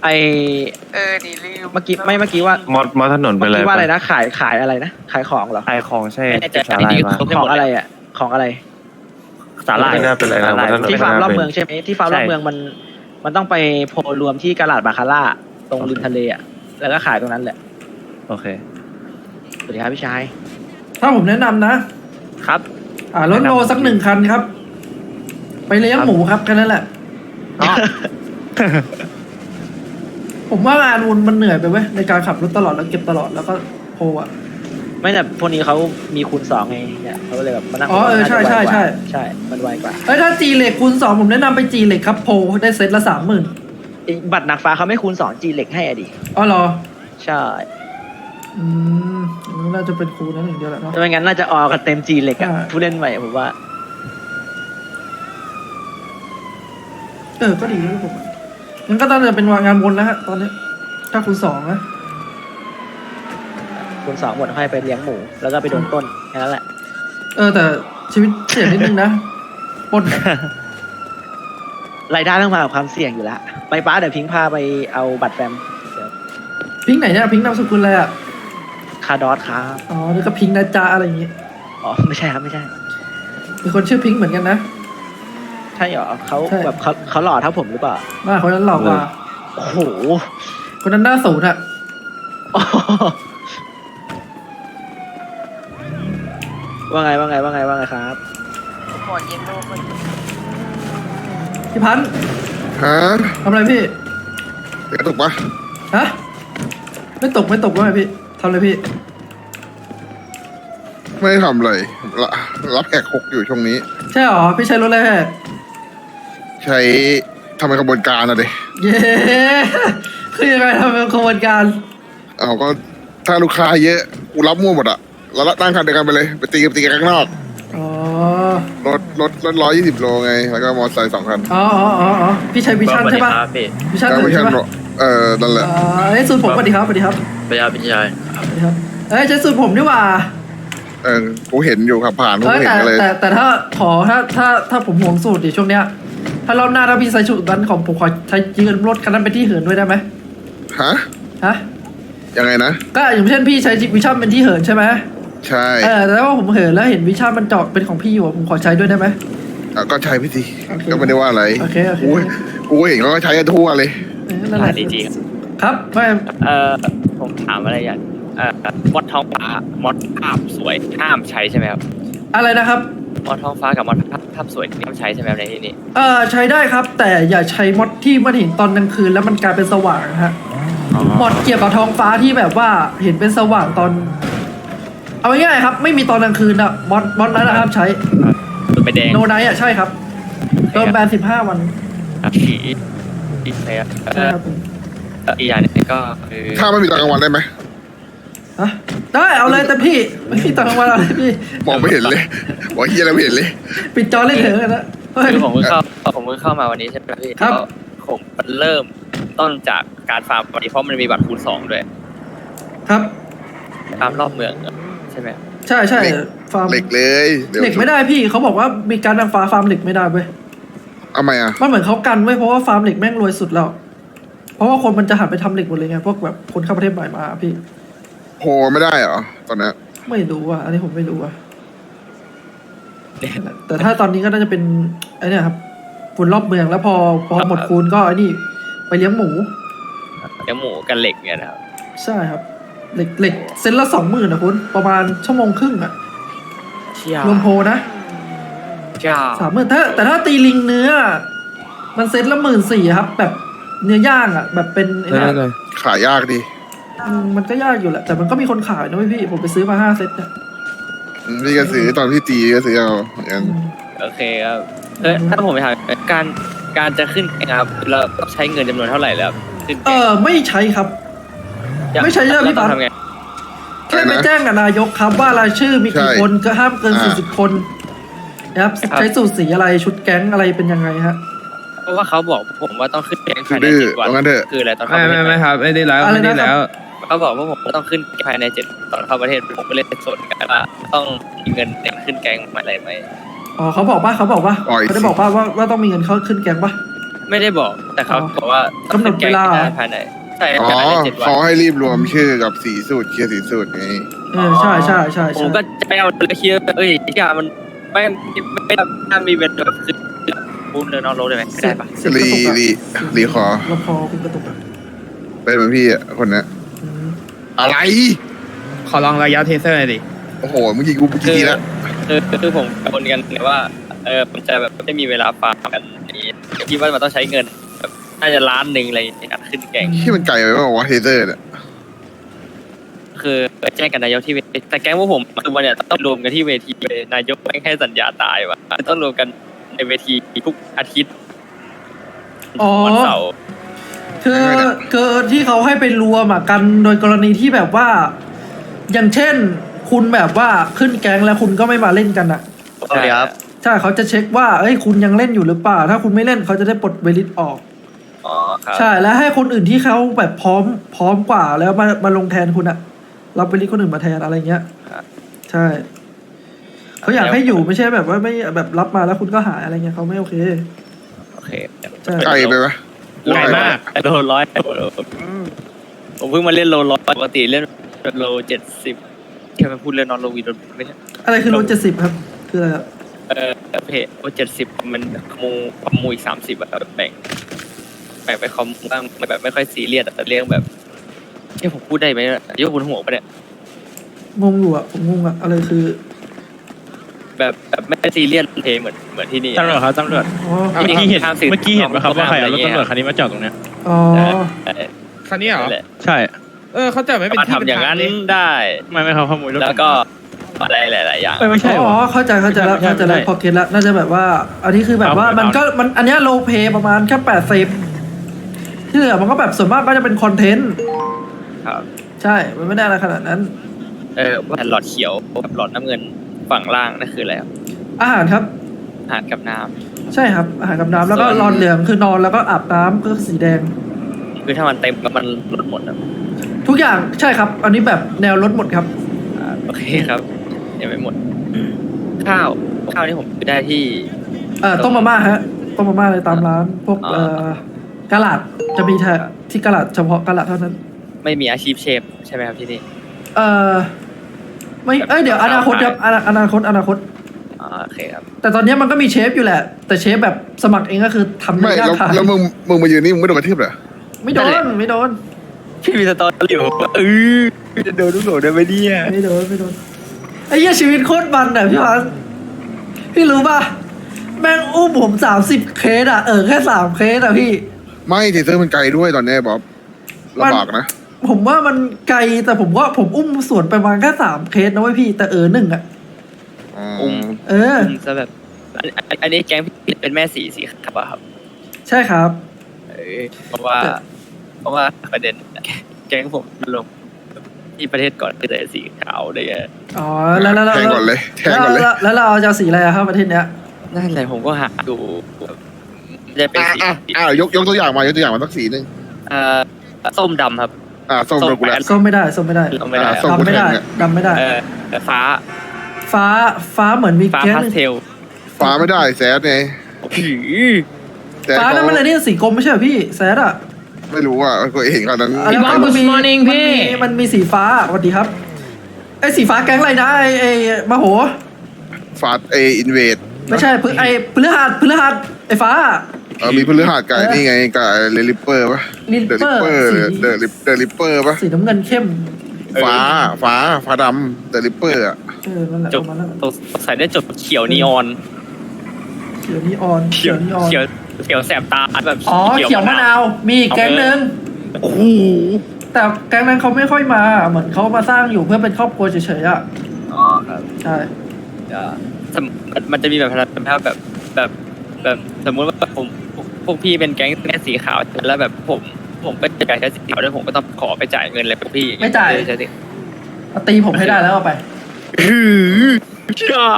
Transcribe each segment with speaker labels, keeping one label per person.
Speaker 1: ไอ
Speaker 2: ดีลืม
Speaker 1: เมื่อกี้ว่าม
Speaker 3: อถนนไป
Speaker 1: เมื่อ
Speaker 3: เลย
Speaker 1: กี้ว่าอะไรนะขายอะไรนะขายของเหรอ
Speaker 3: ขายของใช่
Speaker 4: ไม่แน่ใจ
Speaker 3: สาหร่ายมา
Speaker 1: ของอะไรอ่ะของอะไร
Speaker 4: สาหร่าย
Speaker 3: ไม่น่าเป็นไรนะ
Speaker 4: สาหร่าย
Speaker 3: มอถนน
Speaker 1: ที่ฟาร์มรอบ
Speaker 3: ไม่น่าเป็น
Speaker 1: เมืองใช่ไหมที่ฟาร์มรอบเมืองมันต้องไปโพลรวมที่กาลาดบาคาร่าตรงริมทะเลอ่ะแล้วก็ขายตรงนั้นแหละ
Speaker 3: โอเค
Speaker 1: สวัสดีครับพี่ชาย
Speaker 5: ถ้าผมแนะนำนะครับ รถโลสัก1 คันครับ ไปเลี้ยงหมูครับแค่นั้นแหละ ผมว่างานมันเหนื่อยไปเว้ยในการขับรถตลอดแล้วเก็บตลอดแล้วก็โพอ่ะ
Speaker 1: ไม่แต่พวกนี้เขามีคูณ2ไงเนี่ยเขาก็เลยแบบมานั่ง
Speaker 5: อ๋อใช่
Speaker 1: ใช่มันไวกว่า
Speaker 5: ถ้าจีเหล็กคูณ 2ผมแนะนำไปจีเหล็กครับโพได้เซตละ 30,000
Speaker 1: ไอ้บัตรหนักฟ้าเขาไม่คูณ2 G เหล็กให้อะดิ
Speaker 5: อ๋อเหรอ
Speaker 1: ใช่
Speaker 5: น่าจะเป็นคูณนั้นอย่างเดียวแหละเนาะ
Speaker 1: ไม่งั้นน่าจะออกกันเต็ม G เหล็กอะ
Speaker 5: ใช่
Speaker 1: ผู้เล่นใหม่ผมว่า
Speaker 5: ก็ดีนะผมงั้นก็ต้องจะเป็นงานวนแล้วฮะตอนนี้ ถ้าคูณ 2นะ
Speaker 1: คูณ2หมดให้ไปเลี้ยงหมูแล้วก็ไปโดนต้นแค่นั้นแหละ
Speaker 5: แต่ชีวิตเสี่ยงนิดนึงนะปล้น
Speaker 1: รายได้ต้องมากับความเสี่ยงอยู่แล้วไปป้าเดี๋ยวพิงค์พาไปเอาบัตรแฟมเดี๋ยว
Speaker 5: พิงค์ไหนเนี่ยพิงค์นามสกุลอะไรอ่ะ
Speaker 1: คาร์ดอสครับ
Speaker 5: อ๋อนี่ก็พิงค์นะจ๊ะอะไรอย่างงี้
Speaker 1: อ๋อไม่ใช่ครับไม่ใช่
Speaker 5: มีคนชื่อพิงค์เหมือนกันนะ
Speaker 1: ใช่เหรอเขา
Speaker 5: ใช่
Speaker 1: แบบเขาหล่อเท่าผมหรือเปล่า
Speaker 5: ว่าคนนั้นหลอกกว่า
Speaker 1: โอ้โห
Speaker 5: คนนั้นหน้าศูนย์อ่ะ
Speaker 1: ว่าไงครับ
Speaker 2: หมดเย็นลูกมัน
Speaker 5: พี่พันธ์
Speaker 6: ฮะ
Speaker 5: ทำอะไรพี่
Speaker 6: เดี๋ยวตกปะ
Speaker 5: ฮะ ไม่ตกว่าไงพี่ทำอะไรพี่
Speaker 6: ไม่ทำเลยรับแขกหกอยู่ช่วงนี้
Speaker 5: ใช่หรอ พี่ใช้รถอะไรแฮะ
Speaker 6: ใช้ทำเป็นขบวนการอะเด
Speaker 5: เย้ คือยังไงทำเป็นขบวนการ
Speaker 6: เอาก็ถ้าลูกค้าเยอะกูรับมั่วหมดอะแล้วนั่งคันเดียวกันไปเลยไปตีกันข้างนอก
Speaker 5: อ๋อ
Speaker 6: รถ120 โลไง แล้วก็มอเตอร์ไซค์2 คัน
Speaker 5: อ๋อพี่ใช้วิชั่นใช่ปะ
Speaker 4: ครับพี่
Speaker 5: วิชั่น
Speaker 6: ก็
Speaker 5: ถึง
Speaker 6: ไม่ใช่
Speaker 5: ใช่ปะ
Speaker 6: นั่นแหละ
Speaker 5: สูตรผมสวัสดีครับสวัสดีครับ
Speaker 4: พยาพิชัย
Speaker 5: สวัสดีครับใช้สูตรผมดีกว่า
Speaker 6: กูเห็นอยู่ขับผ่านกู
Speaker 5: เอ้ย
Speaker 6: เห็นกันเลย
Speaker 5: แต่ถ้าผมห่วงสูตรดิช่วงเนี้ย ถ้ารอบหน้าถ้าพี่ใช้สูตรนั้นของผมขอใช้ยืนรถคันนั้นเป็นที่เหินด้วยได้ไหม
Speaker 6: ฮะ
Speaker 5: ฮะ
Speaker 6: ยังไงนะ
Speaker 5: ก็อย่างเช่นพี่ใช้วิชั่นเป็นที่เหินใช่ไหม
Speaker 6: ใช่
Speaker 5: แต่ว่าผมเหินแล้วเห็นวิชั่นมันเจาะเป็นของพี่อยู่ผมขอใช้ด้วยได้ไหม
Speaker 6: ก็ใช้พี่สิ
Speaker 5: โอเค
Speaker 6: ก็ไม่ได้ว่าอะไร
Speaker 5: โอเค
Speaker 6: กูเห็นเขาก็ใช้กันทั่วเลย
Speaker 5: นั่นแหละ
Speaker 4: ดีจี
Speaker 5: ครับไม่
Speaker 4: ผมถามอะไรอย่างมดท้องฟ้ามดภาพสวยห้ามใช้ใช่ไหมครับ
Speaker 5: อะไรนะครับ
Speaker 4: มดท้องฟ้ากับมดภาพสวยห้ามใช้ใช่ไหมครับในที่นี้
Speaker 5: ใช้ได้ครับ แต่อย่าใช้มอดที่มันเห็นตอนกลางคืนแล้วมันกลายเป็นสว่างนะฮะมอดเกี่ยวกับท้องฟ้าที่แบบว่าเห็นเป็นสว่างตอน เอาง่ายๆครับ ไม่มีตอนกลางคืนอะมอดนั้นนะครับใช้
Speaker 4: ตัวไปแดง
Speaker 5: โนไนอะใช่ครับโดนแบน15 วัน
Speaker 4: ครับอีกเลยครับ
Speaker 5: ใช่ครับ
Speaker 4: อีกอย่างหนึงก็คือ
Speaker 6: ถ้าไม่มีตอนกลางวันได้ไหม
Speaker 5: ฮะได้เอาเลยแต่พี่ไม่มีตอนกลางวันเอาเลยพี่
Speaker 6: มองไม่เห็นเลยว่าเฮียอะไรไม่เห็นเลย
Speaker 5: ปิดจอเล่นเถอะกันนะเฮ้ย
Speaker 4: คือผมเพิ่งเข้ามาวันนี้ใช่ไหมพี่
Speaker 5: ครับ
Speaker 4: แล้วผมเริ่มต้นจากการฟาร์มวันนี้เพราะมันมีบัตรคูณ2ด้วย
Speaker 5: ครับ
Speaker 4: ฟาร์มรอบเมืองใช่ไหม
Speaker 5: ใช่ฟาร์ม
Speaker 6: เหล็กเลยดี๋ยว
Speaker 5: เหล็กไม่ได้พี่เขาบอกว่ามีการนางฟ้าฟาร์มเหล็กไม่ได้เว้ย
Speaker 6: เอาไหมอ่ะ
Speaker 5: มันเหมือนเขากันไว้เพราะว่าฟาร์มเหล็กแม่งรวยสุดแล้ว เพราะว่าคนมันจะหันไปทำเหล็กหมดเลยไงพวกแบบคนเข้าประเทศใหม่มาพี่
Speaker 6: โพไม่ได้เหรอตอนเนี้ย
Speaker 5: ไม่รู้อ่ะอันนี้ผมไม่รู้อ่ะแต่ถ้าตอนนี้ก็น่าจะเป็นไอ้เนี่ยครับฝุ่นรอบเมืองแล้วพอหมดคูณก็ไอ้นี่ไปเลี้ยงหมู
Speaker 4: เลี้ยงหมูกับเหล็กเนี่ยนะครับ
Speaker 5: ใช่ครับเหล็กเซนละ20,000นะคุณประมาณชั่วโมงครึ่งอ่ะ
Speaker 4: เชี่ย
Speaker 5: รวมโพนะ
Speaker 4: เชี่ย
Speaker 5: 30,000แต่ถ้าตีลิงเนื้อ มันเซตละ14,000ครับ แบบเนื้อย่างอ่ะ แบบเป็นไอ้เนี่ย
Speaker 6: ขายยากดี
Speaker 5: มันก็ยากอยู่แหละ แต่มันก็มีคนขายนะเว้ยพี่ ผมไปซื้อมา5 เซตเนี่ย
Speaker 6: พี่ก็ซื้อตอนพี่ตีก็ซื้อเอาอย่างนั้น
Speaker 4: โอเคครับถ้าผมไปถามการจะขึ้นแกงครับเราต้องใช้เงินจำนวนเท่าไหร่แล้วขึ้นแกง
Speaker 5: ไม่ใช้ครับ ไม่ใช้เยอะพี่
Speaker 4: เรา
Speaker 5: ปั๊บ
Speaker 4: ทำไง
Speaker 5: แค่ไปแจ้งกับนายกครับว่ารายชื่อมีกี่คนก็ห้ามเกิน40 คนนะครับใช้สูตรสีอะไรชุดแก๊งอะไรเป็นยังไงฮะ
Speaker 4: เพราะว่าเขาบอกผมว่าต้องขึ้นแกงภายใน
Speaker 6: ดื้อ
Speaker 4: 7 วัน
Speaker 6: ว่างั้นเถอะ
Speaker 4: คืออะไรตอนเข้าประเทศ
Speaker 3: ไม่ครับไม่ได้แล้ว
Speaker 5: อะไร
Speaker 3: ไม่
Speaker 5: นะครับ
Speaker 3: ได้แล้ว
Speaker 4: เขาบอกว่าผมต้องขึ้นภายใน7ตอนเข้าประเทศผมก็เลยสนกันว่าต้องมีเงินในขึ้นแกงอะไรไหม
Speaker 5: อ๋อเขาบอกป่ะเขาได้บอกป่ะว่าต้องมีเงินเข้าขึ้นแก๊งป่ะ
Speaker 4: ไม่ได้บอกแต่เขา
Speaker 5: อ๋อ
Speaker 4: บอกว่าต้อง
Speaker 5: กำหนดเวลา
Speaker 4: แก้ภายในใช่
Speaker 6: อ๋อ
Speaker 4: ภายใน7 วัน
Speaker 6: เขาให้รีบรวมชื่อกับสีสูตรเคลียร์สีสูตรไง
Speaker 5: ใช่ใช่ใช่
Speaker 4: ผม
Speaker 5: ใช่
Speaker 4: ก็จะไปเอาเลยคิดเอ้ยที่มันไม่ถ้ามีเป็นแบบคือพูดเลยนอกรถได้ไหมไม่ได้ปะ
Speaker 5: เสร็จกระตุกอะ
Speaker 6: รีคอ
Speaker 5: เราพอคุณกระตุกอะ
Speaker 6: เป็นเหมือนพี่อ่ะคนเนี้ย
Speaker 5: อืม
Speaker 6: อะไร
Speaker 3: ขอลองระยะเทเซอร์หน่อยดิ
Speaker 6: โอ้โหเมื่อกี้กูกี่ทีแล้ว
Speaker 4: คือผมกังวลกันเลยว่าผมจะแบบไม่มีเวลาฟาร์มกันนี้คิดว่ามันต้องใช้เงินแบบน่าจะล้านหนึ่งอะไรในการขึ้นแกง
Speaker 6: ที่มันไกลไปเปล่าวะเทเซอร์เนี่ย
Speaker 4: คือแจ้งกันนายกที่เวทีแต่แก๊งพวกผมคือวันเนี่ยต้องรวมกันที่เวทีเลยนายกไม่ให้สัญญาตายว่ะต้องรวมกันในเวทีทุกอาทิตย์
Speaker 5: อ๋อ
Speaker 4: วันเสาร์
Speaker 5: คือที่เขาให้ไปรวมอะกันโดยกรณีที่แบบว่า อย่างเช่น คุณแบบว่าขึ้นแก๊งแล้วคุณก็ไม่มาเล่นกันอะ
Speaker 4: ใช่ครับ
Speaker 5: ใช่เขาจะเช็คว่าเอ้ยคุณยังเล่นอยู่หรือเปล่า ถ้าคุณไม่เล่นเขาจะได้ปลดเวลิตออก
Speaker 4: อ๋อครับ
Speaker 5: ใช่แล้วให้คนอื่นที่เขาแบบพร้อมกว่าแล้วมาลงแทนคุณอะรับเวลิตคนอื่นมาแทนอะไรเงี้ย
Speaker 4: ครับ
Speaker 5: ใช่เขาอยากให้อยู่ไม่ใช่แบบว่าไม่แบบรับมาแล้วคุณก็หายอะไรเงี้ยเขาไม่โอเค
Speaker 4: โอเค
Speaker 5: ใช่
Speaker 6: ไกลไปไหม
Speaker 3: ไกลมาก
Speaker 4: โลร้อยผมเพิ่งมาเล่นโลร้อยปกติเล่นโล70แค่มาพูดเรื่องนอนโลวีโดนไม่ใช่
Speaker 5: อะไรคือรถ70ครับ คืออะไรครับ
Speaker 4: เพจโล70มันคอมมูอีก30อะแบบแบ่งไปคอมบ้างแบบไม่ค่อยซีเรียสแต่เรื่องแบบที่ผมพูดได้ไหมยกบนหัวปะเนี่ย
Speaker 5: งงอยู่อะผมงงอะอะไรคือ
Speaker 4: แบบไม่ได้ซีเรียสเพย์เหมือนที่นี่
Speaker 3: ตำรวจครับตำรวจ
Speaker 5: อ๋อ
Speaker 3: เมื่อกี้เห็น
Speaker 4: ข้ามสิทธิ์
Speaker 3: เมื่อกี้เห็นไหมครับว่าใครเอารถ
Speaker 4: อะไรเงี้ย
Speaker 3: ตำรวจคันนี้มาจอดตรงเนี้ย
Speaker 5: อ๋อ
Speaker 3: คันนี้เหรอ
Speaker 4: นั่นแหละ
Speaker 3: ใช่
Speaker 7: เขาจะไม่เป็น
Speaker 4: มา
Speaker 7: ที่
Speaker 4: ทำอย่างนั้น
Speaker 7: เป็ทเล
Speaker 4: ได้
Speaker 3: ไม่เขาขโมยรถ
Speaker 4: แล้วก็อะไรหลายๆอย่าง
Speaker 3: ไม่ใช่
Speaker 5: อ๋อเข้าใจแล้ว
Speaker 3: ไม่ใช่
Speaker 5: เข้าใจแล้ว
Speaker 3: ไม่ใช่
Speaker 5: พอเก็ตแล้วน่าจะแบบว่า อันนี้คือแบบว่า
Speaker 3: เอา
Speaker 5: มันอันเนี้ยโลเพประมาณแค่80ที่เหลือมันก็แบบส่วนมากก็จะเป็นคอนเทนต์
Speaker 4: ครับ
Speaker 5: ใช่ มันไม่ได้อะไรขนาดนั้น
Speaker 4: ว่าหลอดเขียวกับหลอดน้ำเงินฝั่งล่างนั่นคืออะไรครับ
Speaker 5: อาหารครับ
Speaker 4: อาหารกับน้ำ
Speaker 5: ใช่ครับอาหารกับน้ำแล้วก็
Speaker 4: ส่วน
Speaker 5: รอนเหลืองคือนอนแล้วก็อาบน้ำก็สีแดง
Speaker 4: คือถ้ามันเต็มแล้วมันลดหมดครับ
Speaker 5: ทุกอย่างใช่ครับ อันนี้แบบแนวลดหมดครับ
Speaker 4: โอเคครับยังไม่หมด ข้าวที่ผมซื้อได้ที่
Speaker 5: ต้มมาม่าฮะต้มมาม่าเลยตามร้าน พวก
Speaker 4: อ๋อ
Speaker 5: กะหลาดจะมีแค่ที่กะหลาดเฉพาะกะหลาดเท่านั้น
Speaker 4: ไม่มีอาชีพเชฟใช่ไหมครับที่นี่
Speaker 5: ไม่เดี๋ยวอนาคตครับอนาคต
Speaker 4: โอเคครับ
Speaker 5: แต่ตอนนี้มันก็มีเชฟอยู่แหละ แต่เชฟแบบสมัครเองก็คือทำ
Speaker 6: ไม่
Speaker 5: เนื้อย่างขาย
Speaker 6: แล้วมึงมายืนนี่มึงไม่โดนกระทืบเหรอ
Speaker 5: ไม่โด
Speaker 4: นั่นแหละ
Speaker 5: นไม่โดน
Speaker 4: พี่มีสตอรี่ผมจะโดนทุกโหลได้ไหมเนี่ย
Speaker 5: ไม่โดนไอ้เหี้ยชีวิตโคตรมันอ่ะพี่พันพี่รู้ป่ะแม่งอุ้มผม30 เคสอ่ะแค่3 เคสอ่ะพี่
Speaker 6: ไม่เทเซอร์มันไกลด้วยตอนเนี้ยบ๊อบลำบากนะ
Speaker 5: ผมว่ามันไกลแต่ผมอุ้มสวนไปประมาณแค่3 เคสนะเว้ยพี่แต่หนึ่งอ่ะ
Speaker 4: อุ้ม จะแบบอันนี้แก๊งพี่เป็นแม่สีครับอะครับ
Speaker 5: ใช่ครับ
Speaker 4: เพราะว่าประเด็นแก๊งผมลงที่ประเทศก่อนคือแต่สีขาวเลย
Speaker 5: อ๋อแล้ว
Speaker 6: แทงก่อนเลยแทงก่อนเลย
Speaker 5: แล้วเราจะสีอะไรอะครับประเทศเนี้ย
Speaker 4: นั่นแหละผมก็หาดูจะเป็นสี
Speaker 6: ยกตัวอย่างมาสักสีหนึ่ง
Speaker 4: ส้มดำครับ
Speaker 6: ส้มโดนกูแล้ว
Speaker 5: ส้มไม่ได้
Speaker 4: ส้มไม่ได้
Speaker 6: ส้ม
Speaker 5: ดำไม่ได้
Speaker 6: กูแทงเนี่ย
Speaker 5: ดำไม่ได้
Speaker 4: ฟ้า
Speaker 5: เหมือนมี
Speaker 4: ฟ้า
Speaker 5: แก๊ส
Speaker 4: พาสเทล
Speaker 6: ฟ้าไม่ได้แซดไง แซด
Speaker 5: ฟ้านั่นมันอะไรนี่สีกรมไม่ใช่เหรอพี่แซดอ่ะ
Speaker 6: ไม่รู้อ่ะก็เห็นขนาดนั้น
Speaker 5: อะไรวะมันมีสีฟ้าสวัสดีครับไอ้สีฟ้าแก๊งอะไรนะไอ้มโห
Speaker 6: ฟาดอินเวด
Speaker 5: ไม่ใช่ไอ้พฤหัสไอ้ฟ้า
Speaker 6: มีพฤหัสกับนี่ไงกับเรลิปเปอร์ปะ
Speaker 5: Ripper สี
Speaker 6: เดอะลิปเปอร์ปะ
Speaker 5: สีน้ำเงินเข้ม
Speaker 6: ฟ้าดำเดอะลิปเปอร์อ่ะ
Speaker 5: นั่นแหละ
Speaker 4: จ
Speaker 5: ป
Speaker 4: บ
Speaker 5: ระมาณนั้น
Speaker 4: ใส่ได้จบเขียวนีออน
Speaker 5: เขียวนีออน
Speaker 4: เขียวแสบตาแบบ
Speaker 5: อ๋อเขียวมะนาวมีอีกแก๊งนึง
Speaker 4: โอ้โห
Speaker 5: แต่แก๊งนั้นเขาไม่ค่อยมาเหมือนเขามาสร้างอยู่เพื่อเป็นครอบครัวเฉยๆอ่ะ
Speaker 4: อ๋อครับ
Speaker 5: ใช่
Speaker 4: มันจะมีแบบแบบสมมุติว่าพวกพี่เป็นแก๊งแม่สีขาวแล้วแบบผมก็จะใช้สีขาวแล้วผมก็ต้องขอไปจ่ายเงินเลยพวกพี่
Speaker 5: ไม่จ่าย
Speaker 4: ใช่สิ
Speaker 5: เอาตีผมให้ได้แล้วเอาไป
Speaker 4: จ้า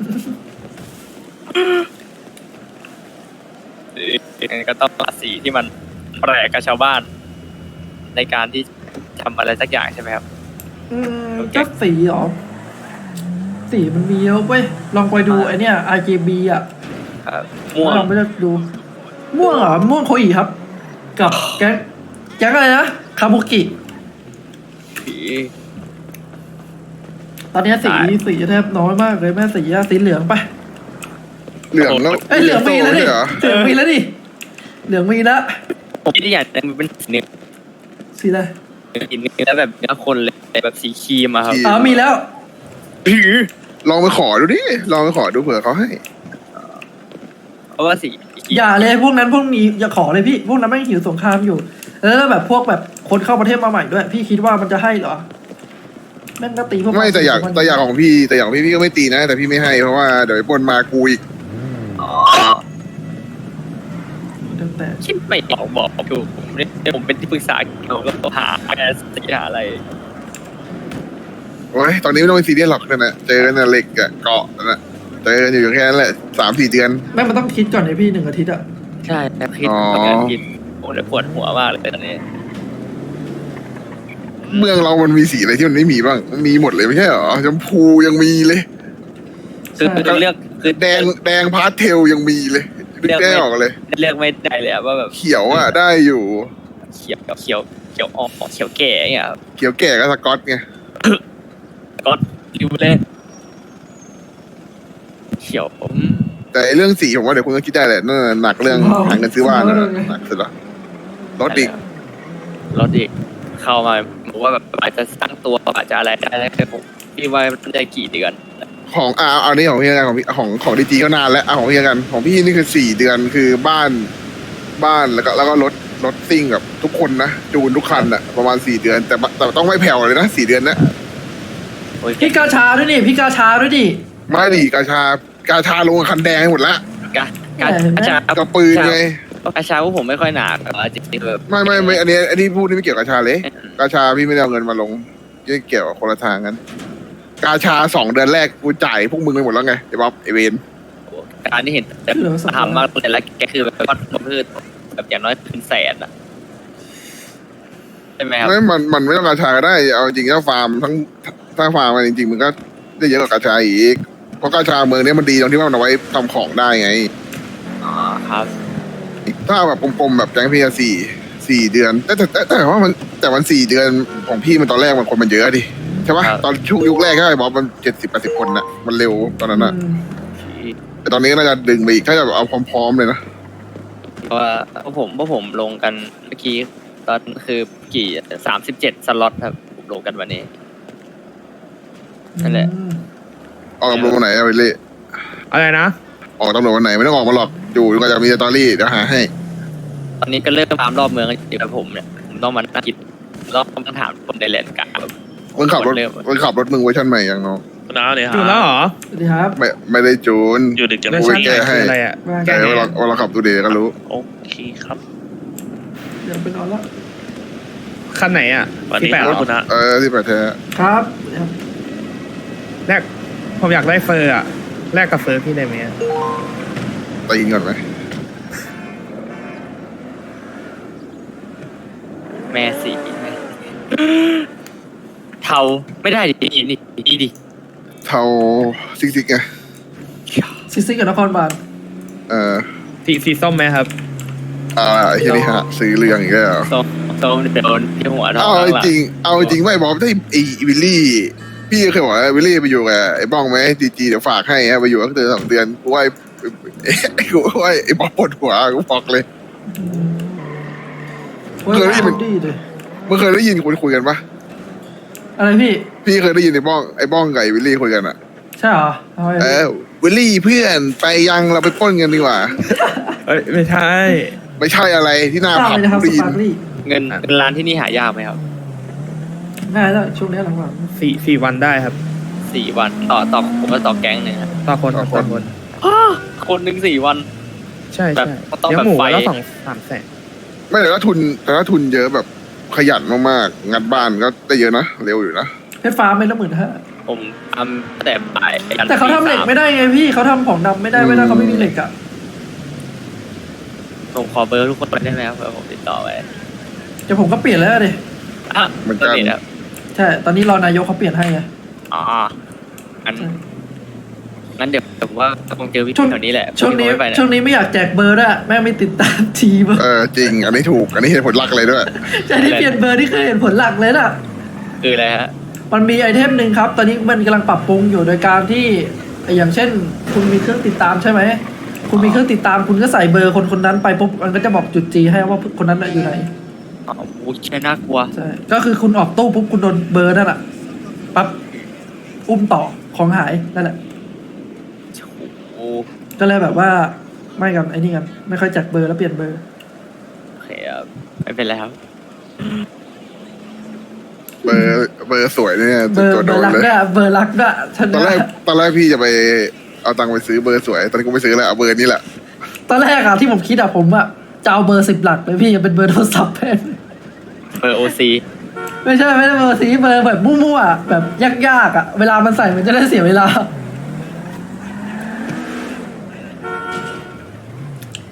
Speaker 4: ก็ต้องหาสีที่มันแปลกกับชาวบ้าน ในการที่ทำอะไรสักอย่างใช่ไหมครับ
Speaker 5: ก็สีเหรอสีมันมีเยอะเว้ยลองไปดูไอเนี้ย RGB อ่ะ
Speaker 4: ครับม่วง
Speaker 5: ลองไปดูม่วงเหรอม่วงโคอีครับ กับแก๊งอะไรนะคาบุกิ
Speaker 4: ผี
Speaker 5: ตอนนี้สีแทบน้อยมากเลยแม่สีเหลืองไป
Speaker 6: เหลืองแล้ว
Speaker 5: เอ้ยเหลืองมีแล้วดิ
Speaker 6: เหรอ
Speaker 5: เหลืองมีแล้วดิเหลืองมีแล้ว
Speaker 4: ผมที่อยากจะเป็นสีเนื้อ
Speaker 5: สีอะไร
Speaker 4: สีเนื้อแบบเนื้อคนเลยแบบสีครีมอะครับ
Speaker 5: มีแล้ว
Speaker 6: ลองไปขอดูดิลองไปขอดูเผื่อเขาให้
Speaker 4: เพราะว่าสี
Speaker 5: อย่าเลยพวกนี้อย่าขอเลยพี่พวกนั้นไม่หิวสงครามอยู่ แล้วแบบพวกแบบคนเข้าประเทศมาใหม่ด้วย พี่คิดว่ามันจะให้เหรอแม่งก็ตีพวก
Speaker 6: ไม่แต่อยากของพี่แต่อย่างพี่ก็ไม่ตีนะ แต่พี่ไม่ให้เพราะว่าเดี๋ยวไอ้ปนมากูอีก
Speaker 5: แต่
Speaker 4: คิดไม่ออกบอกอยู่ผมเป็นที่ปรึกษาเกี่ยวกับหาสีหาอะไร
Speaker 6: โอ้ยตอนนี้ไม่ต้องไปซีเรียสหรอกนั่นนะเจอกันนะเหล็กอะเกาะนั่นนะเจอกันอยู่แค่นั้นแหละ3-4 เดือน
Speaker 5: แม่งมันต้องคิดก่อนเลยพี่1 อาทิตย์อะ
Speaker 4: ใช่แต่คิด
Speaker 6: อ๋อ
Speaker 4: ประกันคิดผมเลยปวดหัวมากเลยตอนนี้
Speaker 6: เมืองเรามันมีสีอะไรที่มันไม่มีบ้างมันมีหมดเลยไม่ใช่เหรอชมพูยังมีเลย
Speaker 4: คือเลือกคือ
Speaker 6: แดงพาสเทลยังมีเลยนึกได้ออกเลย
Speaker 4: เลือกไม่ได้เลยอะว่าแบบ
Speaker 6: เขียวอ่ะได้อยู่
Speaker 4: เขียวอ่อนเขียวแก่เงี้ยครับ
Speaker 6: เขียวแก่ก็สก๊อตไง
Speaker 4: ก็ริวเล่นเขียว
Speaker 6: แต่ไอ้เรื่องสีผมว่าเดี๋ยวคุณก็คิดได้แหละนั่นนะหนักเรื่องหาเงินซื้อบ้านนะหนักสุดละรถอีก
Speaker 4: รถอีกเข้ามาบอกว่าแบบอาจจะสร้างตัวอาจจะอะไรได้แค่ผมพี่ว่ามันได้กี่เดือน
Speaker 6: ของเอานี่ของพี่กันของดีจีก็นานแล้วของพี่กันของพี่นี่คือ4 เดือนคือบ้านแล้วก็รถซิ่งกับทุกคนนะจูนทุกคันอะประมาณ4 เดือน แต่ต้องไม่แผ่วเลยนะ4 เดือนนะ
Speaker 4: โอ้ย
Speaker 5: พี่กาชาด้วยดิพี่กาชาด้วยดิ
Speaker 6: ไม่ดิกาชาลงกับคันแดงให้หมดละ
Speaker 4: การชาก
Speaker 6: ระปืนไง
Speaker 4: กระชาพวกผมไม่ค่อยหนาแต่ว่าจริงๆแบบ
Speaker 6: ไม่อันนี้พูดนี่ไม่เกี่ยวกับกาชาเลยกาชาพี่ไม่ได้เอาเงินมาลงไม่เกี่ยวกับคนละทางกันกาชา2 เดือนแรกกูจ่ายพวกมึงไปหมดแล้วไงไอ้บ๊อบไอ้เวน
Speaker 4: การที่เห็นแต่ทำมากแต่ละแกคือแบบว่าผมคือแบบอย่างน้อยเป็นแสนอะใช่ไหมครับ
Speaker 6: ไม่มันไม่ต้องกาชาก็ได้เอาจริงถ้าฟาร์มถ้าฟาร์มมันจริงๆมันก็ได้เยอะกว่ากาชาอีกเพราะกาชาเมืองนี้มันดีตรงที่ว่ามันเอาไว้ทำของได้ไง
Speaker 4: อ๋อครับ
Speaker 6: ถ้าแบบกลมๆแบบแจ้งพี่4 เดือนแต่ว่ามัน4 เดือนของพี่มันตอนแรกมันคนมันเยอะดิใช่ปะตอนช่วงยุคแรกก็ไอ้บ๊อบมัน70-80 คนน่ะมันเร็วตอนนั้นน่ะแต่ตอนนี้น่าจะดึงไปอีกถ้าจะแบบเอาพร้อมๆเลยนะ
Speaker 4: เพราะว่าพวกผมลงกันเมื่อกี้ตอนคือกี่37 สล็อตครับผมลงกันวันนี้ นั่นแหละ
Speaker 6: ออกตำรวจวันไหนเอาไปเล่
Speaker 3: อะไรนะ
Speaker 6: ออกตำรวจวันไหนไม่ต้องออกมาหรอกอยู่ก็จะมีสตอรี่เดี๋ยวหาให้
Speaker 4: ตอนนี้ก็เริ่มตามรอบเมืองอยู่กับผมเนี่ยผมต้องมานั่งคิดรอบต้องถามคนในแลนด์กลางแบบ
Speaker 6: มึงขับรถมึงเวอร์ชันใหม่ยังน้อง
Speaker 7: น้าเนี่ย
Speaker 3: อยู่แล้วเหรอ
Speaker 5: สวัสดีครับ
Speaker 6: ไม่ได้จูน
Speaker 7: อยู่ดึกจัง
Speaker 3: เวอร์
Speaker 6: โอ้
Speaker 3: ชั
Speaker 6: ย
Speaker 3: น
Speaker 6: แก้
Speaker 3: ใหม่
Speaker 6: ให้
Speaker 3: คืออะไรอ่ะ
Speaker 6: แต่เวลาขับดูเดย์ก็รู้
Speaker 7: โอเคครับ
Speaker 5: เดี๋ยวไปนอนแล้ว
Speaker 3: คันไหนอ่ะ
Speaker 7: วัน
Speaker 3: ที่
Speaker 7: นี้
Speaker 3: แปด
Speaker 7: ค
Speaker 3: เหร
Speaker 7: รับ
Speaker 3: อ
Speaker 7: คุณนะ
Speaker 6: ที่ประเทศ
Speaker 5: ครับ
Speaker 3: แรกผมอยากได้เฟอร์อ่ะแลกกับเฟอร์พี่ได้ไหมอะ
Speaker 6: ตีนก่อนไหม
Speaker 4: แม่สีเทาไม่ได้ดินี่ดิ
Speaker 6: เทาซิกไง
Speaker 5: ซิกกับนครบาล
Speaker 3: สีส้มไหมครับ
Speaker 6: ไอ้ที่นี่ฮะซื้อเรื่องอีกแล้ว
Speaker 4: ส้มโดนที่หัวท้อง
Speaker 6: เอาจริงไม่บอกได้ไอ้วิลลี่พี่เคยบอกว่าวิลลี่ไปอยู่กับไอ้บ้องไหมจีเดี๋ยวฝากให้ไปอยู่ตั้งแต่2 เดือนกูว่าไอ้บ๊อบปวดหัวกูบอกเลย เคยได้ยิน
Speaker 5: ดีเลย
Speaker 6: มึงเคยได้ยินคนคุยกันปะ
Speaker 5: อะไรพี่
Speaker 6: พี่เคยได้ยินไอ้บ้องกับไอ้วิลลี่คุยกันอ่ะ
Speaker 5: ใช่เหรอเอาไว้
Speaker 6: วิลลี่เพื่อนไปยังเราไปปล้นกันดีกว่า
Speaker 3: เอ้ยไม่ใช่
Speaker 6: ไม่ใช่อะไรที่หน้า
Speaker 5: ทราบ
Speaker 6: ผับ
Speaker 5: เลยนะครับส
Speaker 6: ได้ยิน
Speaker 5: ปาร์คลี่
Speaker 4: เงินร้านที่นี่หายากไหมครับ
Speaker 5: ง่ายแล้วช่วงนี้หลัง
Speaker 3: 4 วันได้ครับ
Speaker 4: 4 วันต่อผมก็ต่อแก๊งหนึ่งครับ
Speaker 3: ต่อคน
Speaker 4: คนหนึ่ง4 วัน
Speaker 3: ใช่
Speaker 4: แบ
Speaker 3: ใช่
Speaker 4: บต้อง
Speaker 3: เลี้ย
Speaker 4: แบบ
Speaker 3: งหมู
Speaker 4: ไฟ
Speaker 3: แล้ว3 แสน
Speaker 6: ไม่แต่ถ้าทุนเยอะแบบขยันมากๆงัดบ้านก็ได้เยอะนะเร็วอยู่นะ
Speaker 5: ๆเพชรฟ้าไม่ละ15,000
Speaker 4: ผมทำแต่บ่าย
Speaker 5: แต่เขาทำเหล็กไม่ได้ไงพี่เขาทำของดำไม่ได้เขาไม่มีเหล็กอ่ะ
Speaker 4: ผมขอเบอร์ทุกคนได้ไหมครับเผื่อผมติดต่อไว้
Speaker 5: เดี๋ยวผมก็เปลี่ยนแล้วดิ
Speaker 6: เหมือนกัน
Speaker 4: เบร์ครับ
Speaker 5: ใช่ตอนนี้รอนายกเขาเปลี่ยนให้ไง
Speaker 4: อ๋ออันงั้นเดี๋ยวผมว่าคงเจอพี่
Speaker 5: ช่วง
Speaker 4: แถวนี้แหละ
Speaker 5: ช่วงนี้
Speaker 4: พี่คไม่ไปะ
Speaker 5: ช่วงนี้ไม่อยากแจกเบอร์ด้วยแม่งไม่ติดตามทีม
Speaker 6: จริง อันนี้ถูก อันนี้เหตุผลหลักเลยด้วย
Speaker 5: ใช่ที่เปลี่ยนเบอร์นี่คือเห็นผลหลักเลยน่ะ
Speaker 4: คืออะไรฮะ
Speaker 5: มันมีไอเทมหนึ่งครับ ตอนนี้มันกำลังปรับปรุงอยู่โดยการที่อย่างเช่น คุณมีเครื่องติดตามใช่ไหมคุณมีเครื่องติดตามคุณก็ใส่เบอร์คนคนนั้นไปปุ๊บมันก็จะบอกจุดจีให้ว่าคนนั้นน่ะอยู่ไหน
Speaker 4: อ๋อโอ้ยใช่น่ากลัว
Speaker 5: ใช่ก็คือคุณออกตู้ปุ๊บคุณโดนเบอร์นั่นแหละปั๊บอุ้มต่อของหายนั่นแหละ
Speaker 4: โอ้
Speaker 5: ก็เลยแบบว่าไม่กันไอ้นี่กันไม่ค่อยแจกเบอร์แล้วเปลี่ยนเบอร์
Speaker 4: โอเคครับไม่เป็นไรครับ
Speaker 6: เบอร์สวยเนี่ย
Speaker 5: เบอร์
Speaker 6: ตัว
Speaker 5: เบ
Speaker 6: โด
Speaker 5: อร์
Speaker 6: น
Speaker 5: รัก
Speaker 6: เลย
Speaker 5: ด้วยเบอร์รักด้วยฉัน
Speaker 6: ตอนแรกพี่จะไปเอาตังค์ไปซื้อเบอร์สวย ตอนนี้กูไม่ซื้อแล้วเอาเบอร์นี้แหละ
Speaker 5: ตอนแรกอะที่ผมคิดอะผมอะจะเอาเบอร์10 หลักเลยพี่จะเป็นเบอร์โทรศัพท์แทน
Speaker 4: เบอร์โอซี
Speaker 5: ไม่ใช่ไม่ได้เบอร์สีเบอร์แบบมั่วๆอะแบบยากๆอะเวลามันใส่มันจะได้เสียเวลา